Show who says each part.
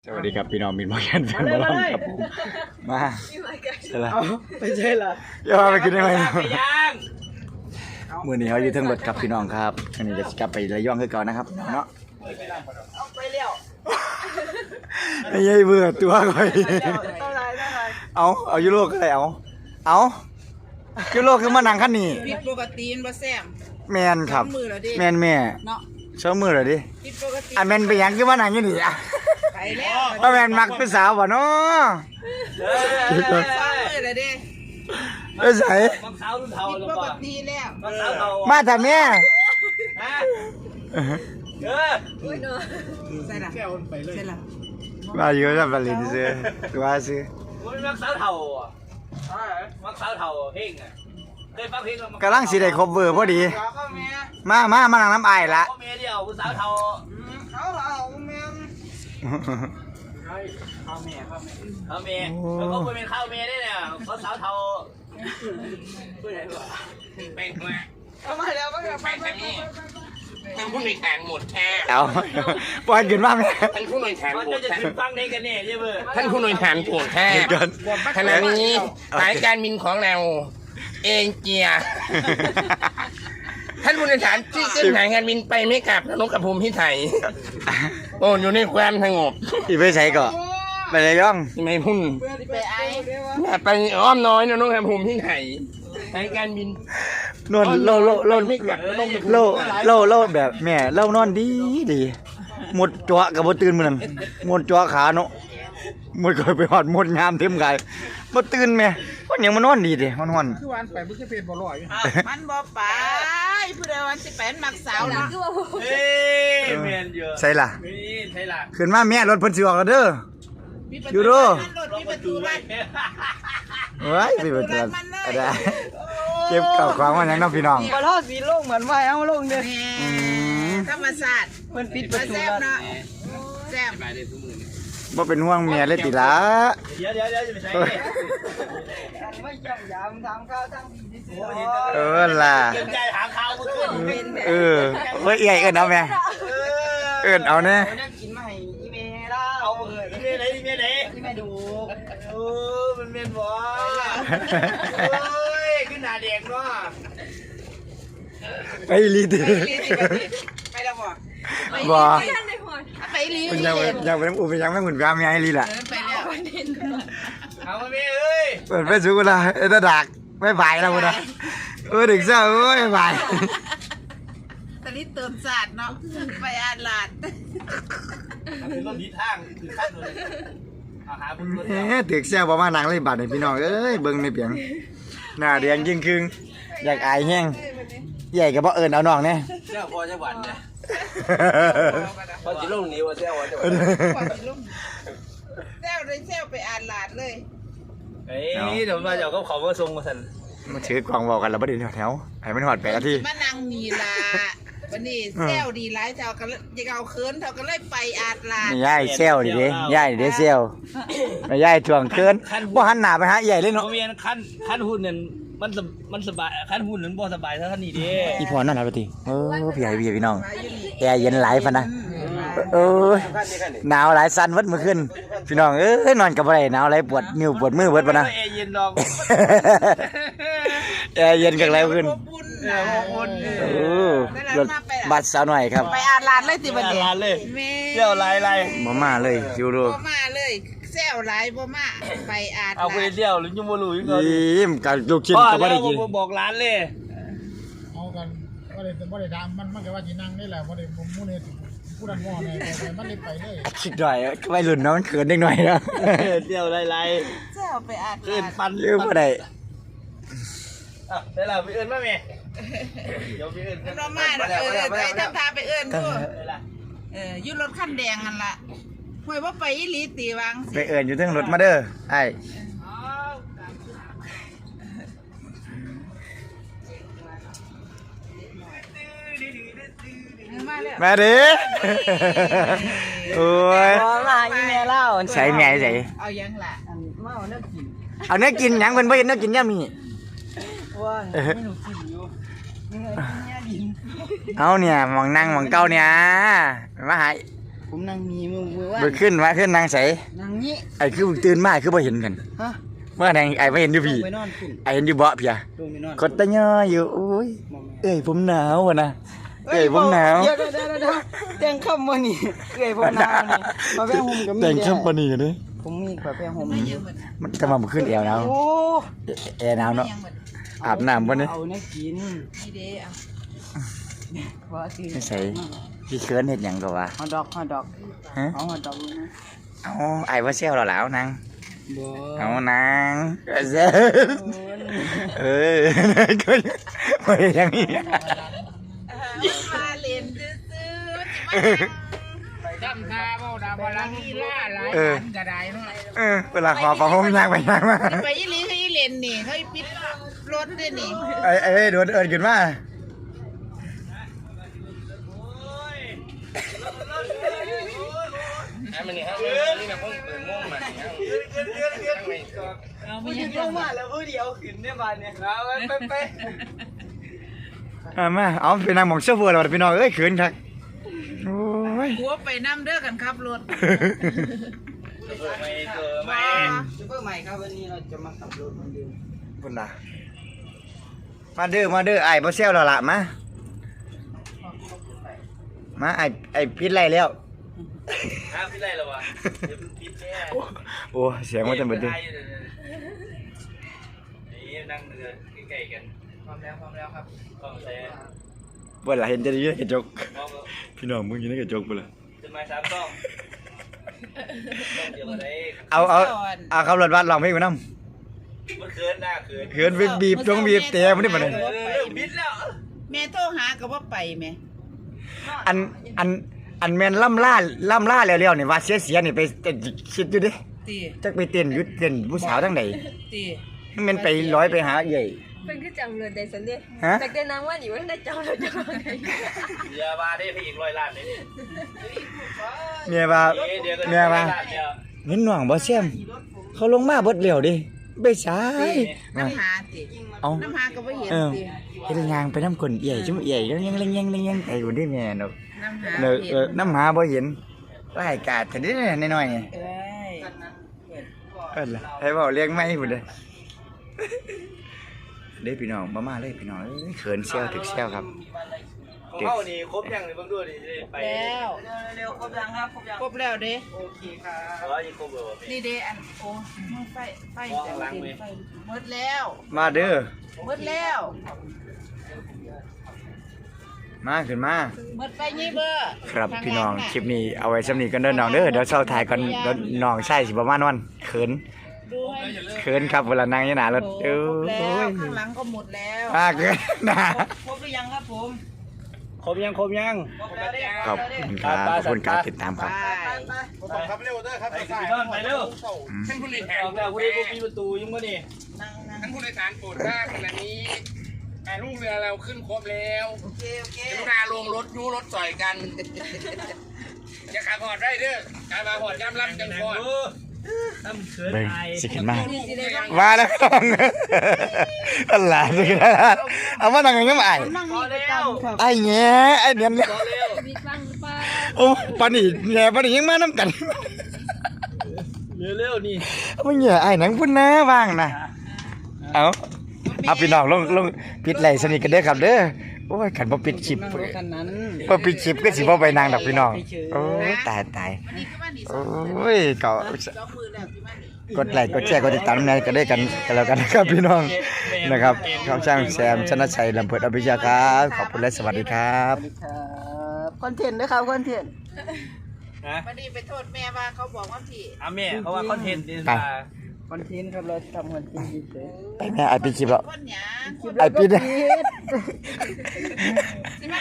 Speaker 1: สวัสดีครับพี่น้องมินมอแกนแฟนบอลครับผมมาใช่ละ
Speaker 2: ไปใช่ละ
Speaker 1: อย่ามาไปกินได้ไหมมื้อนี้เขาอยู่ทั้งรถครับพี่น้องครับอันนี้จะกลับไประยองคือเก่านะครับเนาะ
Speaker 2: เอาไปเลี้ยว
Speaker 1: ไอ้ยัยเบื่อตัวก่อยเอายุโรปอะไรเอายุโรปคือมานั่งคันนี้
Speaker 2: ผิดปกติมันบ่แซ่บ
Speaker 1: แมนครับ
Speaker 2: มือแล้วดิ
Speaker 1: แมนแม่
Speaker 2: เนาะ
Speaker 1: เช้ามือเหรอดิ
Speaker 2: ผิดปกติ
Speaker 1: อ่ะแมนไปหยังคือมานั่งอยู่นี่อ่ะ
Speaker 2: ไปแล้ว
Speaker 1: ว่าแมนมักเป็นสาวบ่เนาะ
Speaker 2: มือแล้วดิ
Speaker 1: เอ้ยใส่
Speaker 3: มักสาวรุ่นเทา
Speaker 2: ผิด
Speaker 3: แล้ว
Speaker 2: ป
Speaker 3: ป่ะ
Speaker 2: กติแล้ว
Speaker 3: มักสาวเทา
Speaker 1: มาทำแม่
Speaker 3: ฮะ
Speaker 2: ใส่ละใส่ละ
Speaker 1: มาอยู่กับบัลลินซื้อว่าซื้อ
Speaker 3: มันมักสาวเทาอ่ะมักสาวเทาเพลงอ่ะเคยฟังเพลงมั้ย
Speaker 1: กำลังสิได้ครบเวอร์พอดี
Speaker 2: ก็แม่
Speaker 1: มานั่งน้ำไอ้ละ
Speaker 3: พ่อแม่เดียวผู้สาวเทา
Speaker 2: เอาแม่
Speaker 3: เอาแม่แล้วก็เป็นข้าวแม่ได้เนี่ยเขาสาวเทาเพื่อนอะไรวะเป็นแม่
Speaker 2: เอามาแล้วก็ไป
Speaker 4: ท่านผู้ในวยแขนหมดแท้
Speaker 1: เอาปล่อยขึ้นมาแม่
Speaker 4: ท่านผู้ในวยแขน
Speaker 3: มัน
Speaker 4: หม
Speaker 3: จะ
Speaker 4: ด
Speaker 3: จะ
Speaker 4: แท้
Speaker 3: ขึ้นฟังได้กันเนี่ยใช่ไหม
Speaker 4: ท่านผู้ในวยแขนปวดแท้
Speaker 1: เกิน
Speaker 4: ขณะนี้สายการบินของเราเองเจีย ท่านผู้โดยสารที่ขึ้นสายการบินไปไม่กลับนกกระพุมพิไทยโอ้อยู่ในความสงบ
Speaker 1: อีไปใส่ก่อนไปเลยย่อง
Speaker 4: ที่ไม่พุ่น
Speaker 2: ไปไอ้
Speaker 4: อย่าไปอ้อมน้อยนกกระพุมพิไทยสายการบิน
Speaker 1: นอนโล
Speaker 4: ไม่กลับนกกระพุม
Speaker 1: โลแบบแม่เล่านอนดีหมดจั่วกับบ่ตื่นมื้อนั้นหมดจั่วขาเนาะหมดก็ไปหอดหมดงามเต็มกายบ่ตื่นแม่คนยังมานอนดีเด้มันฮ้อน
Speaker 2: คือวันไปบ่ใช่เพชรบ่ลอยมันบ่ไปผู้ใดวันสิเป็นมักสาวนะ
Speaker 3: เฮ้ยเมียนเยอะ
Speaker 1: ใส่ล่ะ
Speaker 3: นี่ใช่ล่ะ
Speaker 1: ขึ้นมาแม่รถเพิ่นสิออกแล้วเด้อ อยู่ดู
Speaker 2: รถมีประตูบ้าน
Speaker 1: เว้ยสิเพิ่นจะได้เก็บข้าวของมาหยังเนาะพี่น้อง
Speaker 2: บ่ทอดสีลงเหมือนว่าเอาลงเด้อ
Speaker 1: อืม
Speaker 2: ธรรมศาสตร์มันปิดประตูเนาะแซ่บ
Speaker 1: บ่เป็นห่วงเมียเลยติล่ะ
Speaker 3: เดี๋ยวจะไปใช้
Speaker 2: ไม่จำยามทำข้าวทั้งที่สิ
Speaker 1: เออล่ะ
Speaker 3: เกมใจถามข่าวเมื่อคืน
Speaker 1: เออเฮ้ยเอ้ยเอิ้นเอาแม่เอิ้นเอาแน่
Speaker 2: นั่งกินมาให้อีเมลแล้ว
Speaker 3: เอาเมียไหนเมียไหน
Speaker 2: ที่แม่ดู
Speaker 3: โอ้มันเมียนบ่โอ้ยขึ้นหน้าแดงเนาะ
Speaker 1: ไปลีติ
Speaker 2: ไปแล้วบ่
Speaker 1: บ่
Speaker 2: ไปลี
Speaker 1: เพิ่นยังไปน้ำอูไปยังไม่เหมือนกันมีไอ้ลีล่ะ
Speaker 2: ไปแล้ว
Speaker 3: เอามาเมียเอ้ย
Speaker 1: เปิดเฟซบุ๊กละเอ็ดดักไม่บายแล้วพุ่นน่ะดึกเช้าโอ้ยบาย
Speaker 2: ตอนนี้เติมศาสตร์เนาะไปอ่านลาด
Speaker 3: คือรถดีทางคือขั้นเลยเอาหาบุญรถ
Speaker 1: ดึกเช้าบ่มานั่งเลยบาดให้พี่น้องเอ้ยเบิ่งในเปียงหน้าแดงยิ่งครึ่งอยากอายแห้งใหญ่ก็บ่เอิ้นเอาน้องแน่
Speaker 3: เจ้าพ่อจะหวานเนี่ย
Speaker 4: พอจิลงนี้ว่าเจ้าว่าจะ
Speaker 2: แซวเลยแซวไปอ่านลาดเลย
Speaker 3: เฮ้ยเดี๋ยวมาเดี๋ยวเขาขอมาส่งมาสั่น
Speaker 1: มาถือกล่องบอกกันแล้วบ่ได้แถวให้มันฮอด8นาที
Speaker 2: มานั่งมีลาวันนี้แซวดีหลายเท่ากันจะเอาเคินเท่ากันเลยไปอ่านลาด
Speaker 1: นี่ยายเซลดิเด้ยายนี่เด้เซลแม่ยายทวงเกินบ่หันหน้าไปหาใหญ่เลย
Speaker 3: โม
Speaker 1: เนาะ
Speaker 3: เมียนขั้นหุ่นเนี่ยมันสบายขั้นหุ่นนั้นบ่สบายเท่านี้ดิ
Speaker 1: อีพอนั่นล่ะบ่ติพี่ใหญ่พี่น้องแอร์เย็นหลายพันนะเออหนาวหลายสั่นวัดมื้อคืนพี่น้องเอ้ยนอนก็บ่ได้หนาวหลายปวดนิ้วปวดมือเบิดปะนะ
Speaker 3: เอเย็นดอก
Speaker 1: แอร์เย็นกันหลายขึ้น
Speaker 2: บุญนะ
Speaker 1: เออรถบัสสาวหน่อยครับ
Speaker 2: ไปอ่านลาดเลยติบันเดี
Speaker 3: ร้านเลย
Speaker 2: แม่
Speaker 3: เที่ยวไร
Speaker 1: บ่มาเลยอยู่ดู
Speaker 2: บ่มาเลยแซวหลายบ่มาไปอ่าน
Speaker 3: เอาไป
Speaker 2: ลาด
Speaker 3: เที่ยวหรือยังบ่รู้อีกก่อน
Speaker 1: ยิ้มกับลูกชิ้น
Speaker 3: พ่อ
Speaker 1: ก็บ่
Speaker 3: แล้
Speaker 1: ได้
Speaker 3: ว
Speaker 1: กิน
Speaker 3: บอกร้านเลย
Speaker 5: เอากันบ่ได้ดามมันก็ว่าสินั่งนี่แหละบ่ได้ผมมู้นี่ผู้นั้นว่าแน่แต่มันเลยไปเลย
Speaker 1: คิดหน่อยวัยรุ่นเนาะมันเขินเด็กหน่อยนะ
Speaker 3: เที่ยวไร
Speaker 2: แซวไปอ่าน
Speaker 3: ขึ้น
Speaker 2: ลาด
Speaker 3: ปัน
Speaker 1: ยืมบ่ได้
Speaker 3: ได้แล้วไปเอิ้นมาแม่เดี๋ยวไปเอิ้น
Speaker 2: มันบ่มาเด้อไปทำทาไปเอิ้นดูอยู่รถคันแดงนั่นล่ะห่วยบ่ไปอีหลีตีวัง
Speaker 1: ไปเอิ้นอยู่เทิงรถมาเด้อไอ้
Speaker 2: มาแล้ว
Speaker 1: มาดิโอ้ย
Speaker 2: มาอีเมลเล่า
Speaker 1: ใส่แม่ใส่
Speaker 2: เอายังล่ะ
Speaker 1: เอาเนื้อกินหยังเพิ่นบ่เห็นเนื้อกินยามนี้
Speaker 2: ว่า
Speaker 1: เอาเนี่ยหมองนั่งหมองเก่าเนี่ยมาหา
Speaker 6: ผมนั่งมีมือว่า
Speaker 1: เบิดขึ้นมาขึ้นนางใส
Speaker 6: นั่งนี้
Speaker 1: ไอ้คือตื่นมาคือบ่เห็นกัน
Speaker 6: ฮะ
Speaker 1: เมื่อนางไอ้บ่เห็นอยู่พี่
Speaker 6: ไปนอนขึ้น
Speaker 1: ไอ้เห็นอยู่เบาะพี่อะ
Speaker 6: ลงไปนอน
Speaker 1: กดตะย่ออยู่โอ้ยเอ้ยผมหนาวอะนะเอ้ยผมหนาว
Speaker 6: เดี๋ยวแต่งคำมานี่เอ้ยผมหนาวนี่มาแพ้ห่มกับมี
Speaker 1: แต่งเข้มปานนี้กันเด้
Speaker 6: ผมมีกว่าแพ้ห่ม
Speaker 2: ไม่ยังหมด
Speaker 1: มันจะมาบ่ขึ้นแอวหนาว
Speaker 6: โอ้
Speaker 1: แอร์หนาว
Speaker 2: ไม่
Speaker 1: เนาะ
Speaker 2: ยังหมด
Speaker 1: อาบน้ำบ่เนี่ย
Speaker 6: เอาเนี่ยกิน
Speaker 2: นี่เด้เอา
Speaker 6: ว่าสิ
Speaker 1: ไม่ใส่พี่เคิร์นเฮ็ดหยังก็ว่า
Speaker 6: ฮอทดอก
Speaker 1: ฮะ
Speaker 6: เอาฮอทดอกนะ
Speaker 1: เอาไอ้บ่เซลเราแล้วนาง
Speaker 6: บ่
Speaker 1: เอานางเซลเออก็บ่ได้ยังนี้
Speaker 2: มาเล่นซื่อๆ
Speaker 5: ดำทาเบาดำบาลังอีล่าหลายอันก็ได้เนาะ
Speaker 1: เวลาขอฟังผมยากไปยากมา
Speaker 2: จะไปยี่ลีเขายี่เล่นนี่เขาปิดรถด้วยนี่
Speaker 1: ไอ้โดนเอิญขึ้นมา
Speaker 4: มันนี่ฮะนี่นะผมเปิดม่วงมา
Speaker 2: ไม่ยังลงมาแล้ว
Speaker 1: มาเอาไปนั่งหมองเสื้อเฟือเราพี่น้องเอ้ยขืนครับโอ้ย
Speaker 2: หัวไปน้ำเด้อกันครับรถ
Speaker 6: ซุปเปอร์ใหม่ครับวันนี้เราจะมาขับรถเหมือนเดิม
Speaker 1: พุ่นน่ะมาเด้อไอ้บ่เซลเราละมาไอ้ปิดไรแล้ว
Speaker 3: ห้ามพี่ไรหรอวะเดี๋ยวปิดแน่
Speaker 1: โอ้เสียงมันจะเบิดดิ
Speaker 3: นี่นั่งเรือใกล้ๆกัน
Speaker 6: พร้อมแล้วครับ
Speaker 3: ต้องใช้
Speaker 1: บ่ล่ะเห็นจะได้อยู่ในกระจก
Speaker 3: มอง
Speaker 1: พี่น้องมึงอยู่ในกระจกบ่ล่ะ
Speaker 3: จะมา3ต้องเดี๋ยวอะไร
Speaker 1: เอาขับรถบัสร้องเพลงไปนำ
Speaker 3: เมื่อคืนหน้าคืน
Speaker 1: เขินบีบตรงบีบแต่มันนี่บ่ได้
Speaker 3: บิดแล้ว
Speaker 2: แม่โทรหาก็ว่าไปแม่
Speaker 1: อันแม่นล่ำล่าแล้วนี่ว่าเสียนี่ไปคิดอยู่ดิ
Speaker 2: ตี
Speaker 1: จักไปเต้นอยู่เต้นผู้สาวทั้งใด
Speaker 2: ตี
Speaker 1: มันไปร้อยไปหาใหญ่
Speaker 7: เป็นคือจังเลยแต่สันเดีย
Speaker 1: ฮะ
Speaker 7: แต่แต่นางว่าอยู่ว่าได้จังเราจะมาไง
Speaker 3: เดี๋ยวมาได้พี่อีก100 ล้านเลยนี่
Speaker 1: เมียว่า
Speaker 3: เดี๋ยวก็
Speaker 1: เมียว่า
Speaker 3: เนี่ย
Speaker 1: เห็นหน่องบ่เสียมเขาลงมาเบิดแล้วดิไปสาย
Speaker 2: น้ำหาตี
Speaker 1: เอา
Speaker 2: น้ำหาก็ไม่เห็น
Speaker 1: เออ
Speaker 2: ตี
Speaker 1: เฮ็ดงานไปนำคนใหญ่จุ่มใหญ่ยังไอ้คนที่แม่เนาะ
Speaker 2: น้ำหา
Speaker 1: เนอะ
Speaker 2: เห็น
Speaker 1: น้ำหาบ่เห็นรายการแต่นิดน้อยๆนี่
Speaker 2: เอ้ย
Speaker 1: เอิ้นล่ะให้เว้าเลี้ยงไม้พุ่นเด้อเด้พี่น้องมาเลยพี่น้องเอ้ยเขินเซี่ยวถึกเซี่ยวครับ
Speaker 3: ของเขานี่ครบยังเลยเบิ่งดูดิไป
Speaker 2: แล้ว
Speaker 6: เร็วครบยังครับครบยัง
Speaker 2: ครบแล้วเด้
Speaker 6: โอเคครับ
Speaker 3: ยังครบเลย
Speaker 2: นี่เด้อันโอ้ไฟจะเห็นไฟหมดแล้ว
Speaker 1: มาเด้อ
Speaker 2: หมดแล้ว
Speaker 1: มาขึ้นมา
Speaker 2: หมดไฟยี่เบอร์
Speaker 1: ครับพี่น้องคลิปนี้เอาไว้สำนี้กันเด้อน้องเด้อเดี๋ยวเช้าถ่ายก่อนเดี๋ยวน้องใช่สิประมาณวันเขิน
Speaker 2: ดูให้
Speaker 1: เขินครับเวลานั่งอยู่หน้ารถ
Speaker 2: โอ้
Speaker 1: เอ้
Speaker 2: ครบแล้ว
Speaker 1: ย
Speaker 2: ข้างหลังก็หมดแล้ว
Speaker 1: เกินนะ
Speaker 6: ครบหรือยังครับผม
Speaker 3: ครบยัง
Speaker 6: ครบแล้ว
Speaker 1: ขอบคุณครับขอบคุณการติดตามครับ
Speaker 2: ไป
Speaker 5: ครับเร็วเด้อครับ
Speaker 3: ไปพี่น้องไปเร็ว
Speaker 4: ท่านผู้บริ
Speaker 3: อ
Speaker 4: หาร
Speaker 3: อกแล้วผู้ใดบ่มีประตูยังบ่นี่
Speaker 4: ท่านผู้โดยสารโปรดทราบขณะนี้ลูกเรือเราขึ้นครบแล้ว
Speaker 6: โอเค
Speaker 4: กรุณาลงรถยูรถต่อยกันอย่าขาพอดได้เด้อการมาพอดย่ำรับจังพอด
Speaker 3: ถ้ามันเขิน
Speaker 1: เบิ่ง
Speaker 3: อาย
Speaker 1: สิขึ้นมา
Speaker 4: ลูกเรือยัง
Speaker 1: มาแล้วพี่น้องอะไรสิขึ้นมาเอามานั่งยังไงไอ้
Speaker 2: นั่งนี่ประจำครับ
Speaker 1: ไอ้แง่ไอ้เนียนเนี่ย
Speaker 7: มีฟังหรือเปล่า
Speaker 1: โอ้ปานนี่แง่ปานนี่ยังมาน้ำกัน
Speaker 3: เร็วๆนี่
Speaker 1: มึงแง่ไอ้หนังพุ่นนะว่างนะเอาพี่น้องลงปิดไหลสนิทกันเด้อครับเด้อโอ้ยขันบ่ปิดคลิป
Speaker 6: นั่งรถคันนั้น
Speaker 1: บ่ปิดคลิปก็สิบ่ไปนางดอกพี่น้องโอ้ยตาย
Speaker 2: วันนี้ก็มานี่
Speaker 1: โอ้ยก็
Speaker 2: สองมือแล้วที่มานี่
Speaker 1: กดไลค์กดแชร์กดติดตามในก็ได้กันแล้วกันนะครับพี่น้องนะครับช่องช่างแซมชนะชัยลำเพิดอภิชาครับขอบคุณและสวัสดีครับ
Speaker 6: ครับคอนเทนต์นะครับคอนเทนต์
Speaker 3: ฮะ
Speaker 2: วันนี้ไปโทษแม่ว่าเขาบอกว่าพี่
Speaker 3: แม่เพราะว่าคอนเทนต์นี่
Speaker 1: ไป
Speaker 3: มา
Speaker 6: คอนเทนต์ครับเราทำคอนเทนต์เฉย
Speaker 1: ไปแม่ไอปิดคลิปแล้ว
Speaker 2: คนหยา
Speaker 6: ๆ
Speaker 1: ไอปิด
Speaker 6: ปิด